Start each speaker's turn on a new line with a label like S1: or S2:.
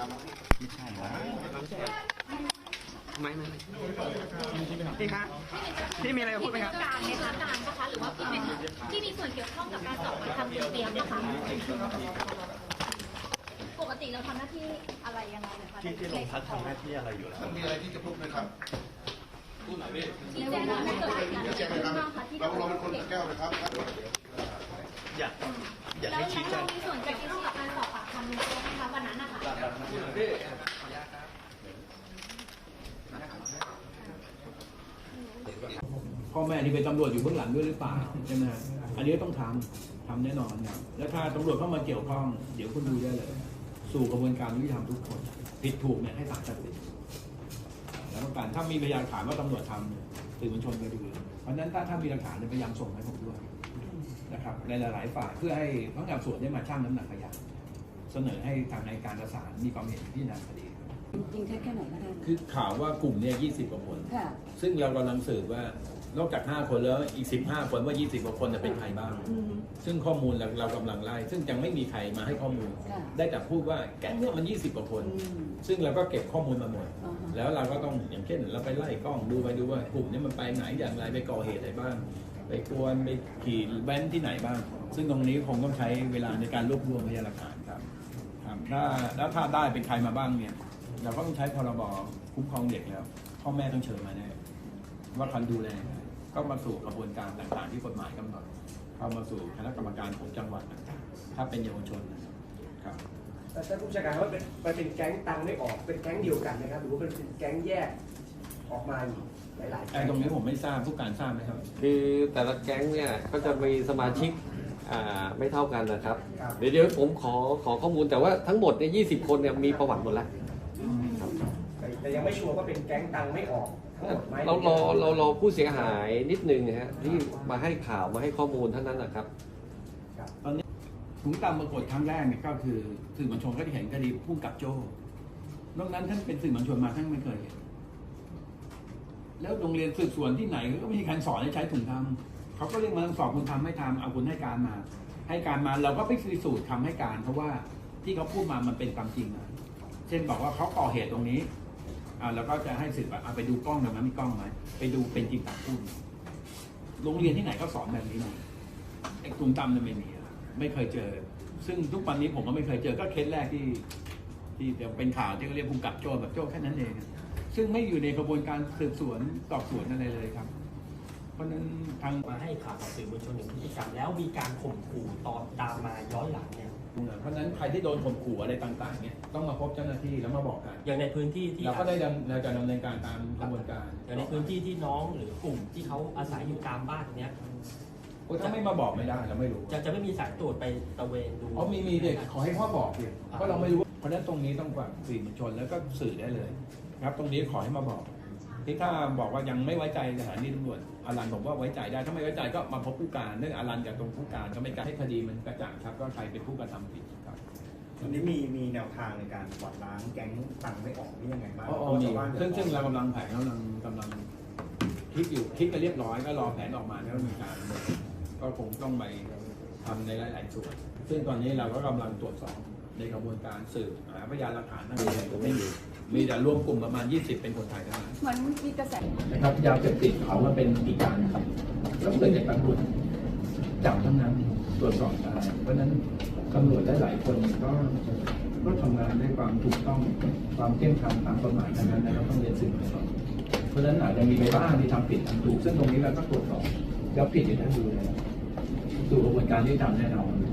S1: ไม่ใช่นะ
S2: ไม่พี่คะพี่มีอะไรจะพูดไหมครับ
S3: การในทางการนะคะหรือว่าพี่เป็นที่มีส่วนเกี่ยวข้องกับการสอบปากคำคุณเปียกนะคะปกติเราทำหน้าที่อะไรยังไงนะคะ
S1: ที่โรงพักทำหน้าที่อะไรอยู่แล้ว
S4: มีอะไรที่จะพูดไหมครับ
S3: ชี้แจงว่าเกิดเหตุการณ์อะไรบ้างคะที่
S4: เราเป็นคนแก้วนะครับ
S1: อยาก
S3: แล้ว
S1: ให้ชี้แจ
S3: เรา
S1: ง
S3: มีส่วนเกี่ยวข้องกับการสอบปากคำคุณเปียกไหมคะวันนั้นนะคะ
S5: พ่อแม่ที่เป็นตำรวจอยู่เบื้องหลังด้วยหรือเปล่าใช่ไหมอันนี้ต้องทำแน่นอนครับแล้วถ้าตำรวจเข้ามาเกี่ยวข้องเดี๋ยวคุณดูได้เลยสู่กระบวนการยุติธรรมทุกคนผิดถูกเนี่ยให้ศาลตัดสินแล้วต้องการถ้ามีพยานฐานว่าตำรวจทำสื่อมวลชนไปดูเพราะฉะนั้นถ้ามีหลักฐานพยายามส่งให้ผมด้วยนะครับในหลายๆฝ่ายเพื่อให้พนักงานสอบสวนได้มาชั่งน้ำหนักพยานเสนอให้ทางในการประสานมีความเห็นพิจารณาคดี
S6: จริงแค่ไหนก็ได้
S5: คือข่าวว่ากลุ่มเนี่ย20 กว่าคนซึ่งเรากำลังสืบว่านอกจาก5 คนแล้วอีก15 คนว่า20 กว่าคนจะเป็นใครบ้างซึ่งข้อมูลเรากำลังไล่ซึ่งยังไม่มีใครมาให้ข้อมูลได้แต่พูดว่าแก๊งเนี่ยมัน20 กว่าคนซึ่งเราก็เก็บข้อมูลมาหมดแล้วเราก็ต้องอย่างเช่นเราไปไล่กล้องดูว่ากลุ่มนี้มันไปไหนอย่างไรไปก่อเหตุอะไรบ้างไปกวนไปขี่แว้นที่ไหนบ้างซึ่งตรงนี้คงต้องใช้เวลาในการรวบรวมพยานหลักฐานครับถ้าได้เป็นใครมาบ้างเนี่ยเราก็ต้องใช้พรบคุ้มครองเด็กแล้วพ่อแม่ต้องเชิญมาแน่ว่าคันดูแลก็มาสู่กระบวนการต่างๆที่กฎหมายกำหนดเข้ามาสู่คณะกรรมการของจังหวัดต่างๆถ้าเป็นเยาวชนครับ
S7: แต่ท่านผู้บัญชาการว่าเป็นแก๊งตังไม่ออกเป็นแก๊งเดียวกันนะครับหรือว่าเป็นแก๊งแยกออกมาอยู่หลายๆ
S5: ตรงนี้ผมไม่ทราบผู้การทราบไหมครับ
S2: คือแต่ละแก๊งเนี่ยก็จะมีสมาชิกไม่เท่ากันนะครับเดี๋ยวผมขอข้อมูลแต่ว่าทั้งหมดเนี่ย20 คนเนี่ยมีประวัติหมดแล้ว
S7: แต่ยังไม่ชัวร์ว่าเป็นแก๊งตังไม่ออก
S2: เรารอผู้เสียหายนิดนึงนะฮะที่มาให้ข่าวมาให้ข้อมูลเท่านั้นนะครับ
S5: ตอนนี้ถุงตามปรากฏครั้งแรกเนี่ยก็คือสื่อมวลชนก็ได้เห็นคดีพุ่งกับโจ้นอกนั้นท่านเป็นสื่อมวลชนมาท่านไม่เคยเห็นแล้วโรงเรียนสืบสวนที่ไหนก็ไม่มีการสอนให้ใช้ถุงทำเขาก็เรียกมาสอบคุณทำไม่ทำเอาคุณให้การมาเราก็ไปพิสูจน์คำให้การเพราะว่าที่เขาพูดมามันเป็นความจริงนะเช่นบอกว่าเขาก่อเหตุตรงนี้แล้วก็จะให้สืบเอาไปดูกล้องตรงนั้นมีกล้องไหมไปดูเป็นจริงตามพูดโรงเรียนที่ไหนก็สอนแบบนี้นะไอ้ถุงตำเนี่ยไม่เคยเจอซึ่งทุกวันนี้ผมก็ไม่เคยเจอก็เคสแรกที่เป็นข่าวที่เขาเรียกภูมิกับโจ้แบบโจ้แค่นั้นเองซึ่งไม่อยู่ในกระบวนการสืบสวนสอบสวนอะไรเลยครับเพราะนั้นทาง
S8: มาให้ข่าวกับสื่อมวลชนถึงพฤติกรรมแล้วมีการข่มขู่ตอนตามมาย้อนหลังเนี่ย
S5: เพราะฉะนั้นใครที่โดนข่มขู่อะไรต่างๆเนี่ยต้องมาพบเจ้าหน้าที่แล้วมาบอกกัน
S8: อย่างในพื้นที่ที่
S5: เราก็ได้เราจะดำเนินการตามกระบวนการ
S8: อย่างในพื้นที่ที่น้องหรือกลุ่มที่เขาอาศัยอยู่ตามบ้านเนี้ย
S5: ถ้าไม่มาบอกไม่ได้เราไม่รู้
S8: จะไม่มีสายตรวจไปตระเวนดู
S5: มีเด็กขอให้พ่อบอกดิเพราะเราไม่รู้เพราะฉะนั้นตรงนี้ต้องฝากสื่อมวลชนแล้วก็สื่อได้เลยครับตรงนี้ขอให้มาบอกที่ถ้าบอกว่ายังไม่ไว้ใจสถานีตำรวจอารันผมว่าไว้ใจได้ถ้าไม่ไว้ใจก็มาพบผู้การเรื่องอารันกับตรงผู้การก็ไม่การให้คดีมันกระจ่างชัดว่าใครเป็นผู้กระทำผิดครับ
S1: วันนี้มีแนวทางในการกวาดล้างแก๊งตังไม่ออกนี่ยังไงบ้าง
S5: ซึ่งเรากำลังแผนกำลังคิดไปเรียบร้อยก็รอแผนออกมาแล้วมีการก็คงต้องไปทำในหลายๆส่วนซึ่งตอนนี้เราก็กำลังตรวจสอบในกระบวนการสืบหาพยานหลักฐานทั้งหมดไม่มีแต่รวมกลุ่มประมาณ20เป็นคนไทยเท่านั้น
S6: เหมือนมีกระแส
S5: นะครับยาเสพติดเขาว่าเป็นอีกการครับแล้วเกิดจากตำรวจจับทั้งนั้นตรวจสอบได้เพราะฉะนั้นตำรวจหลายคนก็ทำงานด้วยความถูกต้องความเข้มแข็งตามกฎหมายทั้งนั้นเราต้องเรียนสื่อมวลชนเพราะฉะนั้นอาจจะมีไปบ้างที่ทำผิดทำถูกซึ่งตรงนี้เราก็ตรวจสอบแล้วผิดอยู่ทั้งดูเลยสู่กระบวนการที่ทำแน่นอน